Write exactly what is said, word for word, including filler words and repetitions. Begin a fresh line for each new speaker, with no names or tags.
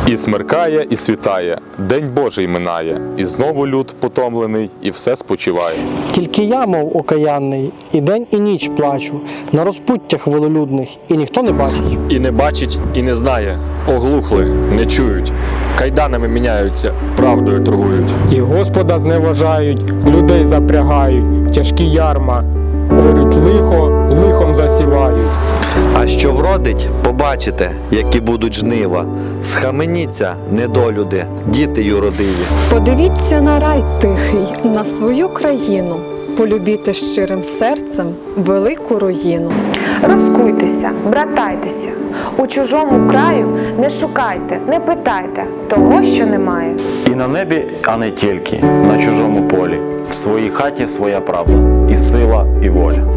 І смеркає, і світає, день Божий минає, і знову люд потомлений, і все спочиває.
Тільки я, мов окаянний, і день, і ніч плачу, на розпуттях вололюдних, і ніхто не бачить.
І не бачить, і не знає, оглухли, не чують, кайданами міняються, правдою торгують.
І Господа зневажають, людей запрягають, тяжкі ярма, орють лихо, лихом засівають.
А що вродить, побачите, які будуть жнива. Схаменіться, недолюди, діти юродиві.
Подивіться на рай тихий, на свою країну, полюбіте щирим серцем велику руїну.
Розкуйтеся, братайтеся, у чужому краю не шукайте, не питайте того, що немає.
І на небі, а не тільки, на чужому полі, в своїй хаті своя правда, і сила, і воля.